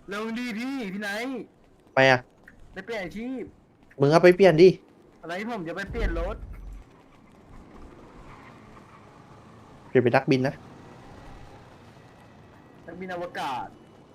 เร็วดีพี่ไหนไปอ่ะไปเปลี่ยนอาชีพมึงเอาไปเปลี่ยนดิอะไรผมจะไปเปลี่ยนรถเปลี่ยนเป็นนักบินนะนักบินอวกาศ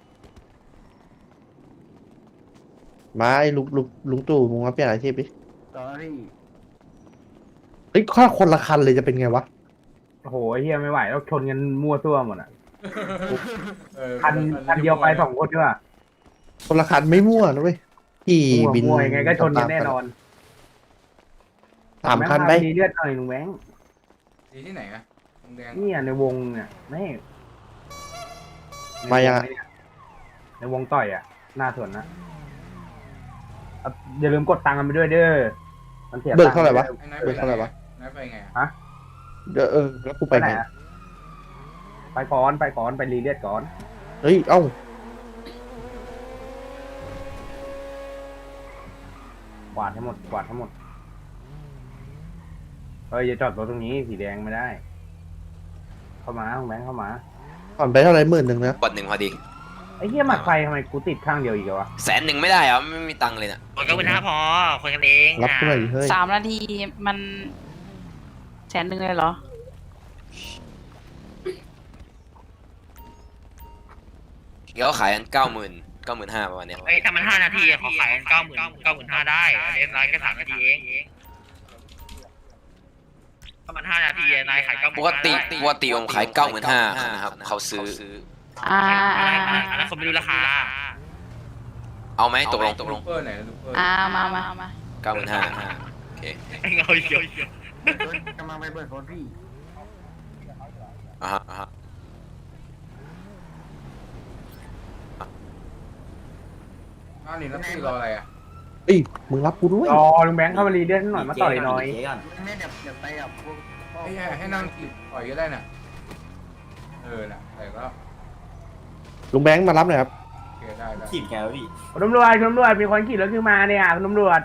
มาไอ้ลุงตู่มึงมาเปลี่ยนอาชีพดิต่อพี่เฮ้ยข้าคนละคันเลยจะเป็นไงวะโอ้โหเฮียไม่ไหวแล้วชนกันมั่วซั่วหมดอ่ะเออคันเดียวไป2 คนด้วยคนละคันไม่มั่วนะเว้ยที่บินมั่วยังไงก็ชนกันแน่นอนสามคันไปดีเลือดหน่อยลุงแบงค์ดีที่ไหนอะวงแดงเนี่ยในวงเนี่ยไม่มายังอะในวงต่อยอ่ะหน้าสวนนะเอาอย่าลืมกดตังค์กันไปด้วยเด้อมันเสียเบิกเท่าไหร่วะไอ้นายเบิกเท่าไหร่วะนายไปไงอะฮะเดี๋ยวแล้วกูไปไปไหนไงอะไปก่อนไปรีเลือดก่อนเฮ้ยเอ้ากวาดให้หมดเฮ้ยอย่าจอดรถตรงนี้สีแดงไม่ได้ เข้ามาลุงแบงค์เข้ามาผ่อนไปเท่าไหร่10,000นะกดหนึ่งพอดีไอ้เหี้ยหมัดไฟทำไมกูติดข้างเดียวอีกอะวะ 100,000ไม่ได้เหรอไม่มีตังค์เลยน่ะคนก็เป็นห้าพอคนกันเองรับกูหน่อยดิเฮ้ย 3 นาทีมัน100,000เลยเหรอเดี๋ยวขายกัน90,000 ประมาณเนี้ยเอ้ยถ้ามัน5 นาทีอะขอขาย90,000 ได้เล่นไลน์แค่3 นาทีเองถ้ามัน5 นาทีอะนายขาย90,000 ปกติผมขาย95,000นะครับเขาซื้ออ่าอันนั้นคนไม่รู้ราคาเอาไหมตกลงลูกเปอร์ไหนลูกเปอร์มา 95,000โอเคไอ้เงาเขียวกำลังไปเปิดรถพี่อ่ะฮะอ้าวนี่แล้วพี่รออะไรอะเฮ้ยมึงรับกูด้วยรอลุงแบงค์เข้ามารีเลือดหน่อยมาต่อยหน่อยแม่เดี๋ยวไปกับพวกให้นั่งกินปล่อยก็ได้น่ะน่ะแต่ก็ลุงแบงค์มารับหน่อยครับโอเคได้ขีดแกวพี่คุณตำรวจมีคนขี่รถขึ้นมาเนี่ยคุณตำรวจ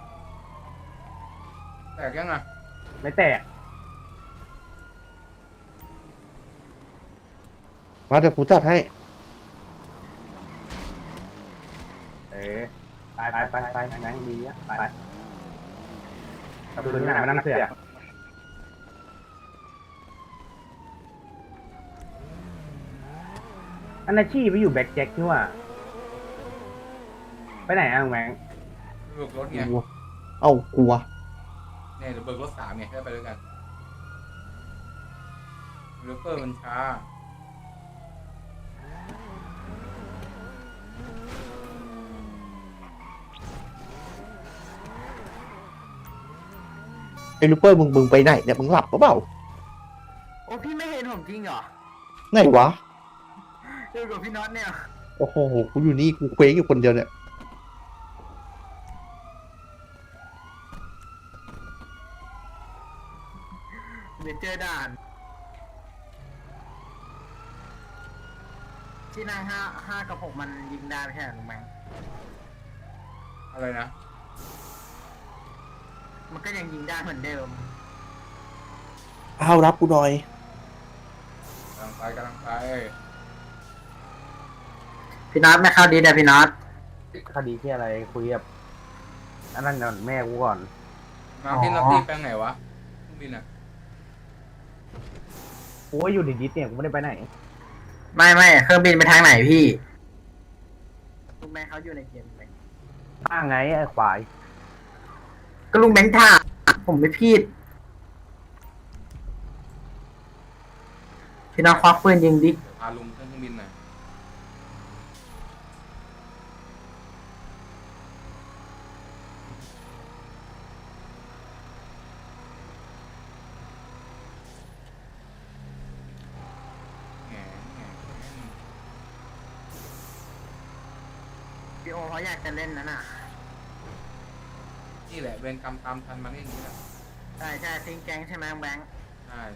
แตกยังอะไม่แตกมาเดี๋ยวกูจัดให้ไปนั่งดีอ่ะไปกับคุณหน้ามานั่งเสือกอันนาชีไปอยู่แบ็คแจ็คนี่ว่ะไปไหนอ่ะลุงแบงค์เบิกรถไงเอ้ากลัวเนี่ยเดี๋ยวเบิกรถ3ไงให้ไปด้วยกันลูกเปอร์มันช้าไอ้ลูเปอร์มึงไปไหนเนี่ยมึงหลับปะเปล่าโอ้พี่ไม่เห็นผมจริงเหรอไหนวะอยู่กับพี่น็อตเนี่ยโอ้โหกูอยู่นี่กูเคว้งอยู่คนเดียวเนี่ยเดี๋ยวเจอด่านที่นั่งห้ากับ6มันยิงได้ไม่ใช่เหรอลุงแบงค์อะไรนะมันก็ยังยิงได้เหมือนเดิมอ้าวรับกูหน่อยกำลังไปพี่น็อตไม่เข้าดีเดี๋ยวพี่น็อตคดีที่อะไรคุยกับอันนั้นก่อนแม่กูก่อนมาพี่นัตตี้แปลงไหนวะเครื่องบินอะกูก็อยู่ในดิสเนี่ยกูไม่ได้ไปไหนไม่เครื่องบินไปทางไหนพี่ลุงแบงค์เขาอยู่ในเกมไหมข้างไงไอ้ควายก็ลุงแบงค์ท่าผมไม่ผิดพี่น็อตควักปืนยิงดิพาลุงขึ้นเครื่องบินหน่อยแหมพี่โอเขาอยากจะเล่นนั่นน่ะนี่แหละเวรกรรมตามทันมันอย่างนี้แหละใช่ทิ้งแก๊งใช่ไหมลุงแบงค์ใช่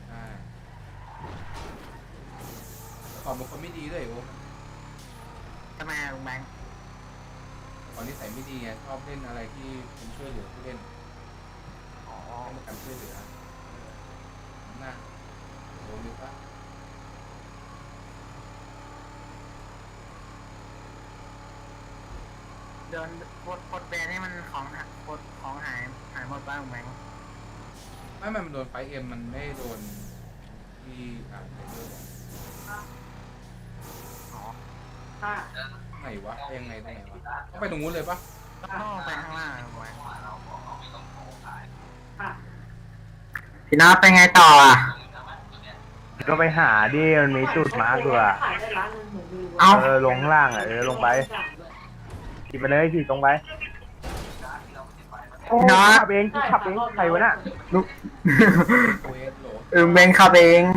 ขอบเป็นคนไม่ดีด้วยโอ้ทำไมลุงแบงค์ตอนนี้ใส่ไม่ดีไงชอบเล่นอะไรที่เป็นช่วยเหลือผู้เล่นให้มากันช่วยเหลือน่าโดนดีปะโดนกดแบนให้มันของของหายหมดบ้างไหมไม่มันโดนไฟเอ็มมันไม่โดนที่ไทเกอร์ไหนวะยังไงตรงไหนวะต้องไปตรงนู้นเลยปะต้องไปข้างล่างไหมพี่น้าไปไงต่ออ่ะก็ไปหาดิมันมีจุดมาร์กด้วยเอาลงข้างล่างอ่ะลงไปขี่ไปเลยขี่ตรงไปขับเองใครวะน่ะโอเอสโหลเบนขับเอง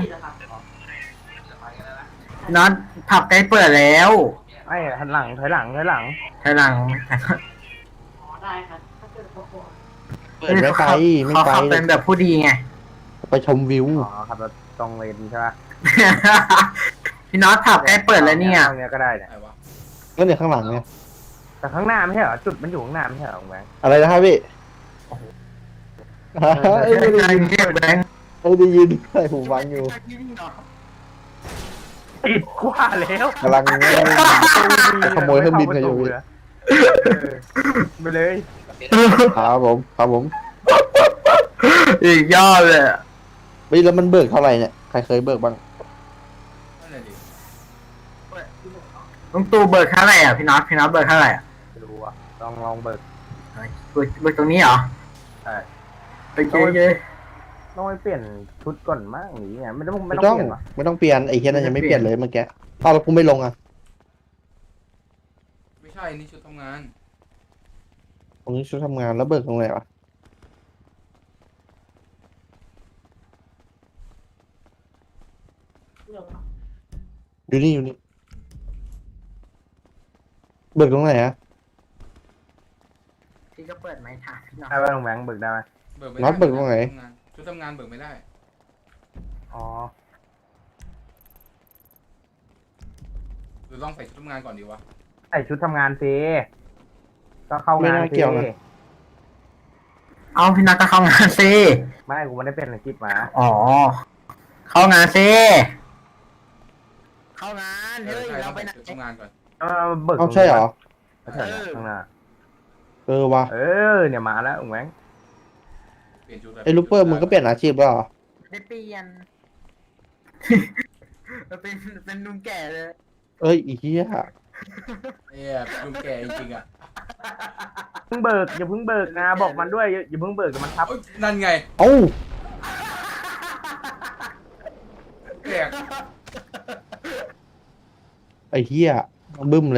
น็อตผับใกล้เปิดแล้วไอ้หันหลังถอยหลังทีหลังเปิดไม่ไปไม่เขาไปขับเป็นแบบผู้ดีไงไปชมวิวอ๋อขับรถตรงเลนใช่ป่ะพี่น็อตผับใกล้เปิดแล้วเนี่ยตรงเนี้ยก็ได้เนี่ยไหนวะก็เนี่ยข้างหลังเนี่ยแต่ข้างหน้าไม่ใช่เหรอจุดมันอยู่ข้างหน้าไม่ใช่เหรอแบงค์อะไรนะครับพี่ไม่ได้ยินเก็บแบงค์ไม่ได้ยินใส่หูฟังอยู่ติดกว่าแล้วกำลังจะขโมยเครื่องบินกันอยู่พี่ไปเลยครับผมอีกยอดเลยไม่แล้วมันเบิกเท่าไหร่เนี่ยใครเคยเบิกบ้างนั่นแหละดิลุงตู่เบิกเท่าไหร่อ่ะพี่น็อตเบิกเท่าไหร่อ่ะไม่รู้อ่ะลองเบิกเบิกตรงนี้เหรอใช่โอเคเลยต้องไปเปลี่ยนชุดก่อนมั้งหรือไงไม่ต้องไม่เปต้องลี่ยนหรอไม่ต้องเปลี่ยนไอ้เฮียนั่นยังไม่เปลี่ยนเลยเมื่อกี้อ้าวแล้วกูไม่ลงอ่ะไม่ใช่นี่ชุดทำงานตรงนี้ชุดทำงานแล้วเบิกตรงไหนวะอยู่นี่เบิกตรงไหนอะพี่ก็เปิดไม้ถามพี่น็อตได้ป่ะลงแบงค์เบิกได้ไหมเบิกไม่น็อตเบิกตรงไหนชุดทำงานเบิกไม่ได้อ๋อหรือลองใส่ชุดทำงานก่อนดีวะใส่ชุดทำงานสิก็เข้างานไม่น่าเกี่ยวนะเอาพี่น็อตก็เข้างานซิไม่กูไม่ได้เป็นอาชีพมาอ๋อ เข้างานซิเข้างานเฮ้ยใช่เราต้องไปใส่ไหนชุดทำงานก่อนเบิกเอาใช่เหรอไม่ใช่ข้างหน้าวะเนี่ยมาแล้วลงแบงค์เปลี่ยนชุดไอ้ลูกเปอร์มึงก็เปลี่ยนอาชีพแล้วเหรอได้เปลี่ยน เป็นลุงแก่เลยเอ้ยอีเหี้ยลุงแก่จริงๆอ่ะเพิ่งเบิกอย่าเพิ่งเบิกนะบอกมันด้วยอย่าเพิ่งเบิกเดี๋ยวมันทับเอ้ยนั่นไงเอ้าแก่ไอ้เหี้ยบึ้มเลย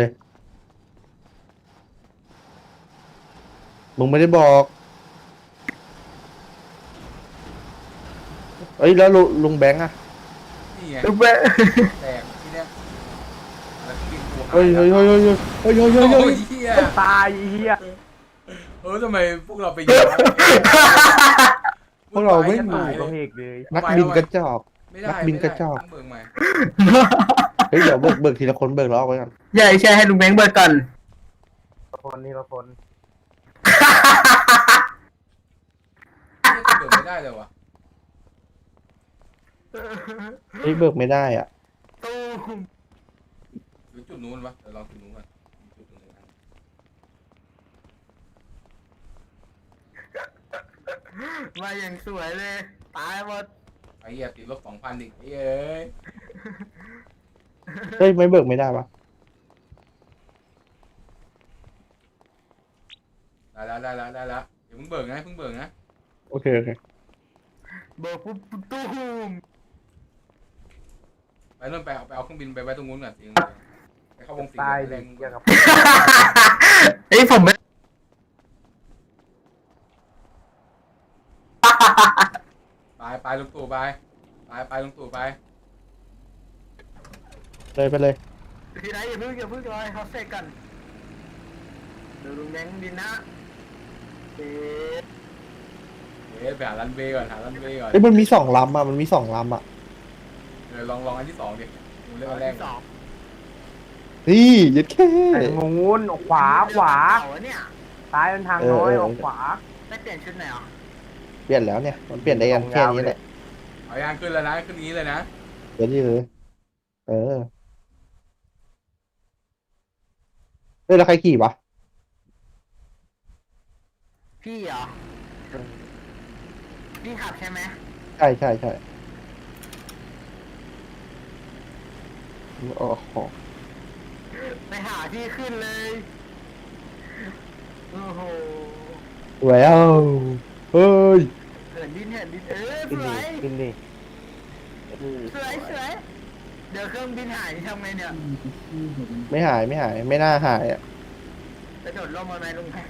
มึงไม่ได้บอก เอ้ยแล้วลุงแบงค์อะนี่ไงลุงแก่แตกที่เนี้ยแล้วกินตัวหาเฮ้ยยเฮ้ยเฮ้ยเฮ้ยเฮ้ยเฮ้ยเฮ้ยโอ้เฮ้ยยเฮียตายไอ้เหี้ยทำไมพวกเราไปยิงพวกเราไม่ตู่หายก็เลยเพกเลยนักบินกระจอกไม่ได้นักบินกระจอกต้องเบิกใหม่เฮ้ยเดี๋ยวเบิกทีละคนเบิกล้อไว้ก่อนใช่ใช่ให้ลุงแบงค์เบิกก่อนคนนี่ละคนเบิกไม่ได้เลยวะเฮ้ยเบิกไม่ได้อ่ะตูมหรือจุดนู้นวะเดี๋ยวลองจุดนู้นก่อนจุดนู้นนะมาอย่างสวยเลย ตายหมดไอ้เหี้ยติดลบ 2,000อีกเอ้ยเฮ้ยไม่เบิกไม่ได้ปะได้แล้วเดี๋ยวเพิ่งเบิกนะโอเคโอเคเบิกปุ๊บตูมไปเริ่มไปเอาเครื่องบินไปไว้ตรงนู้นก่อนสิไปเข้าวงสิงตายแรดิงเกี่ยวกับเฮ้ยผมไม่ไปลุงตู่ไปลุงตู่ไปเลยไปเลยทีไหนอย่าเพิ่งรอให้เขาเสร็จกันเดี๋ยวลุงแบงค์บินนะเอ๊ะไปหารันเวย์ก่อนเฮ้ยมันมี2 ลำอ่ะมันมี2 ลำอ่ะลองอันที่ 2ดิดูเรื่องอันแรกที่สองนี่ยัดแค่ไอ้งูนออกขวาเก่เนี่ยซ้ายเป็นทางน้อยออกขวาได้เปลี่ยนชุดไหนอ่ะเปลี่ยนแล้วเนี่ยมันเปลี่ยนได้กันแค่นี้แหละเอายางขึ้นแล้วนะขึ้นนี้เลยนะเดี๋ยวนี้เลยเออเฮ้ยแล้วใครขี่วะพี่เหรอพี่ขับใช่ไหมใช่ใช่ใช่โอ้โหไปหาที่ขึ้นเลยโอ้โหแหววเฮ้ยเหินดินสขึ้นวดิยขึ้นดิสวยเดี๋ยวเครื่องบินหายทำไงเนี่ยไม่หายไม่หาย ไม่น่าหายอ่ะไปโดดร่มมาไหมลุงแพ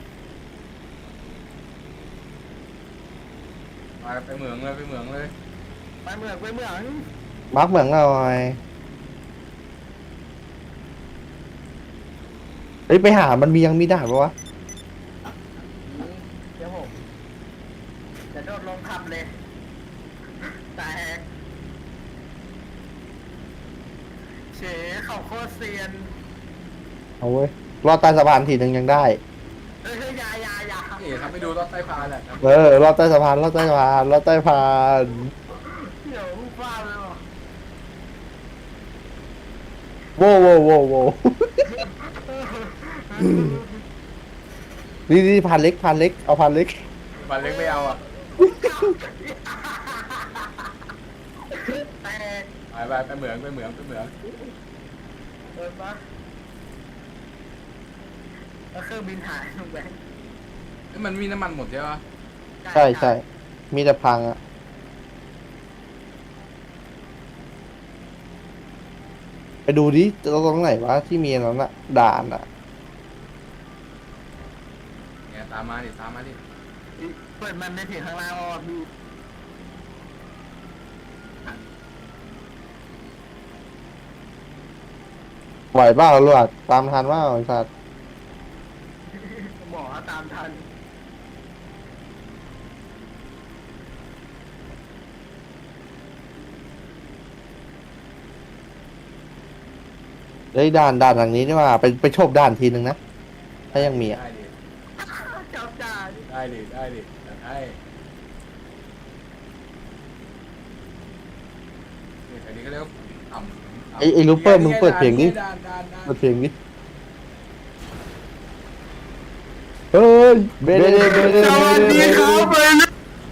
ไปเหมืองเลยไปเหมืองเลยไปเมืองมาร์กเหมืองหน่อยเฮ้ยไปหามันมียังมีด่านปะวะเดี๋ยวผมจะโดดลงขับเลยแตกเฉเขาโคตรเซียนเอาเว้ยรอดใต้สะพานทีหนึ่งยังได้เฮ้ยอยานี่ครับไปดูรถใต้พานแหละครับรอดใต้สะพานรอดใต้สะพานรอดใต้สะพานเดี๋ยวฟ้าเลยว่ะโว้โว้โว้โว้นี่พานเล็กเอาพานเล็กบันเล็กไม่เอาอ่ะแตกไปเหมืองเดินปะแล้วเครื่องบินหายลงไปมันมีน้ำมันหมดใช่ปะใช่ใช่มีแต่พังอ่ะไปดูดิตรงไหนวะที่มีอันนั้นอะด่านอะเนี่ยตามมาดิเปิดมันได้ถึงข้างล่างว่ามีไหวเปล่าลวดตามทันว่าไอ้สัตว์หมอตามทันเฮ้ยด่านหลังนี้นี่ว่าไปโชบด่านทีนึงนะถ้ายังมีอ่ะได้ดิจับจ่าดิได้ดิได้นี่อันนี้ก็เรียกว่าต่ำไอ้ลูปเปอร์มึงเปิดเพลงดิด่านเปิดเพลงดิเฮ้ยเบเดเบเดสวัสดีครับไปเลย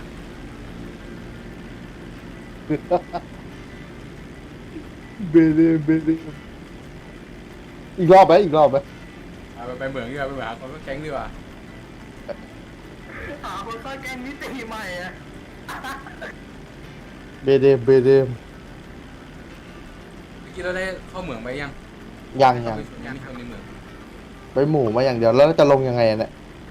เบเดอีกรอบไหมไปเหมืองดีกว่าไปเหมืองหาคนก็แก๊งดีกว่าหาคนเข้าแก๊งนิติใหม่อะเบเดเมื่อกี้เราได้เข้าเหมืองไปยังยังยังมีคนในเหมืองไปหมู่มาอย่างเดียวแล้วจะลงยังไงเนี่ย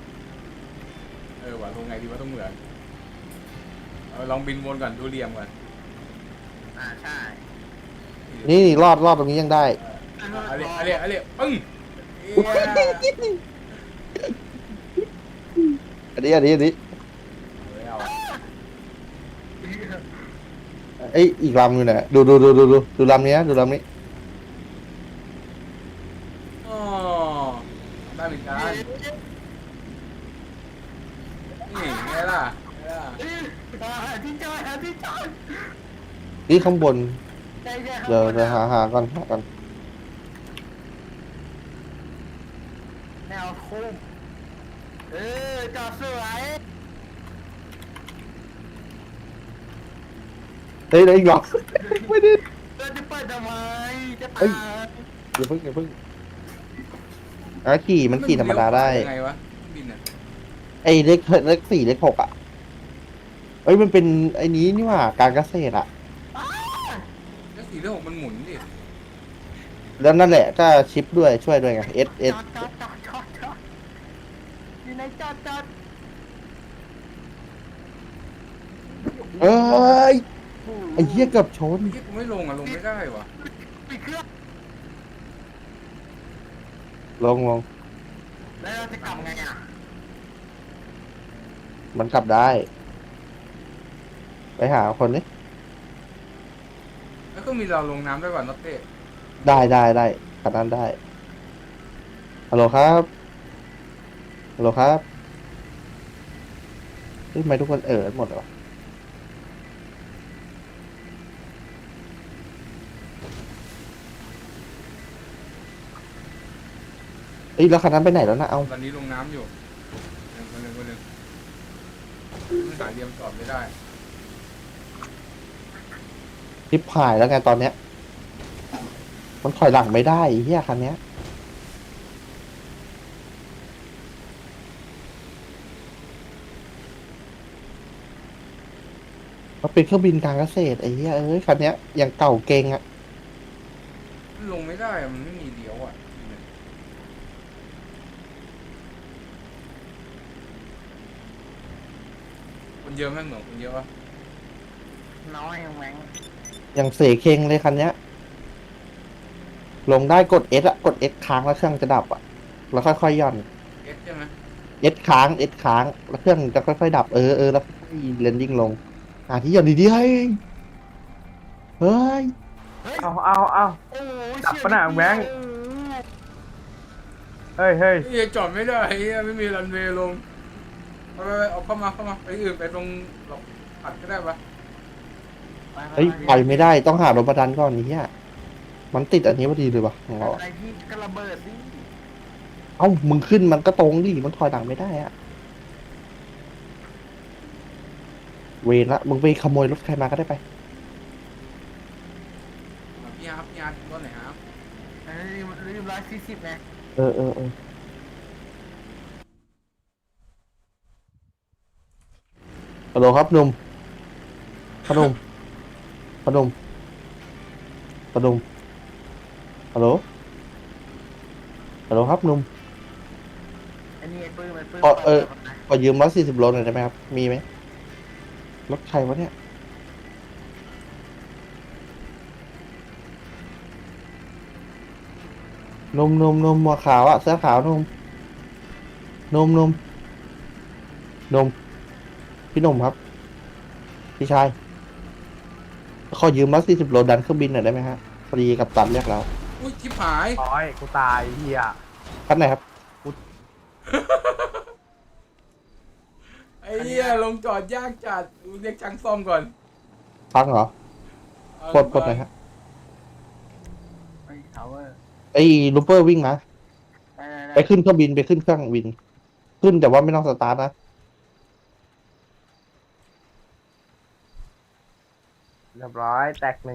ว่ะลงไงดีว่าต้องเหมืองลองบินวนก่อนดูเหลี่ยมก่อนใช่นี่รอดตรงนี้ยังได้เอาเรียปึ้งอันนี้เอาไอยอีกลำอยู่ไหนดูลำนี้นะดูลำนี้อ๋อได้เหมือนกันนี่ไงล่ะหาที่จอดนี่ข้างบนใช่เดี๋ยวหาก่อนแนวคุ้มจอดสวยเฮ้ยอีกรอบไม่ได้เราจะเปิดทำไมจะเฮ้ตาย ยอย่าเพิ่งขี่ธรรมดาได้ยังไงวะบินอ่ะไอ้เลข4เลข6อ่ะเอ้ยมันเป็นไอ้นี้นี่หว่าการเกษตรอ่ะแล้วสีเรื่องของมันหมุนดิแล้วนั่นแหละก็ชิปด้วยช่วยด้วยไง S จอดอยู่ในจอดเอ้ยไอ้เหี้ยเกือบชนเมื่อกี้กูไม่ลงไม่ได้วะปิดเครื่องลงแล้วเราจะกลับไงอ่ะมันกลับได้ ไปหาคนนี้แล้วก็มีเราลงน้ำได้ก่อนนักเตะได้ขนาดนั้นได้ฮัลโหลครับเฮ้ยทำไมทุกคนหมดเลยวะเอ้ยแล้วคันนั้นไปไหนแล้วนะเอาตอนนี้ลงน้ำอยู่คนหนึ่งมันหาเรียมจอดไม่ได้ทิปหายแล้วไงตอนเนี้ย มันถอยหลังไม่ได้ไอ้เฮียคันเนี้ยมันเป็นเครื่องบินการเกษตรไอ้เหี้ยเอ้ยคันเนี้ยอย่างเก่าเก่งอ่ะมันลงไม่ได้อะมันไม่มีเลี้ยวอ่ะคนเยอะแม่งเหมือนคนเยอะวะน้อยแม่งอย่างเสเคงเลยคันเนี้ย ลงได้กด S อะกด S ค้างแล้วเครื่องจะดับอะแล้วค่อยๆย่อนเอสใช่ไหม S ค้าง S ค้างแล้วเครื่องจะค่อยๆดับแล้วค่อยๆเลนดิ้งลงที่ย่อนดีๆเฮ้ยเฮ้ยเอาโอ้ยดับปะน่ะแบงค์ เฮ้ยเฮ้ยจอดไม่ได้เฮ้ยไม่มีรันเวย์ลงเอาเข้ามาไปอื่นไปตรงหลบอัดก็ได้ปะเฮ้ยไปไม่ได้ต้องหารถประดันก่อนนี้อะมันติดอันนี้พอดีเลยวะของเราอะอะไรพี่ก็ระเบิดดิเอ้ามึงขึ้นมันก็ตรงดิมันถอยหลังไม่ได้อะเวรละมึงไปขโมยรถใครมาก็ได้ไปพี่อาร์ตรถไหนครับลืม140ไงเออฮัลโหลครับหนุ่มพนมฮัลโหลฮัลโหลฮัลโหลครับหนุ่มอันนี้ไอ้ปื้มไอ้ปื้มขอยืม140 โลหน่อยได้ไหมครับมีไหมรถใครวะเนี่ยนมหัวขาวอะเสื้อขาวนมพี่หนุ่มครับพี่ชายขอยืม140 โลดันเครื่องบินหน่อยได้ไหมฮะพอดีกับตันเรียกเราอุ้ยชิบหายร้อยกูตายเฮียคันไหนครับไอ้เหี้ยลงจอดยากจัดเรียกช่างซ่อมก่อนพังเหรอปลดหน่อยฮะไอ้ทาวเวอร์ไอ้ลูเปอร์วิ่งนะได้ไปขึ้นเครื่องบินไปขึ้นเครื่องบิน ขึ้นแต่ว่าไม่ต้องสตาร์ทนะเรียบร้อยแตกหนึ่ง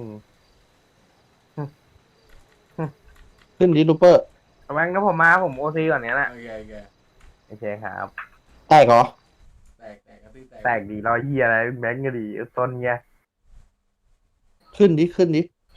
ขึ้นดิลูเปอร์แบงค์ถ้าผมมาผมโอซีก่อนเนี้ยแหละโอเคโอเคครับแตกเหรอแตกกระตือแตกแตกดีรอยเฮียอะไรแบงค์ก็ดีต้นเงี้ยขึ้นดิ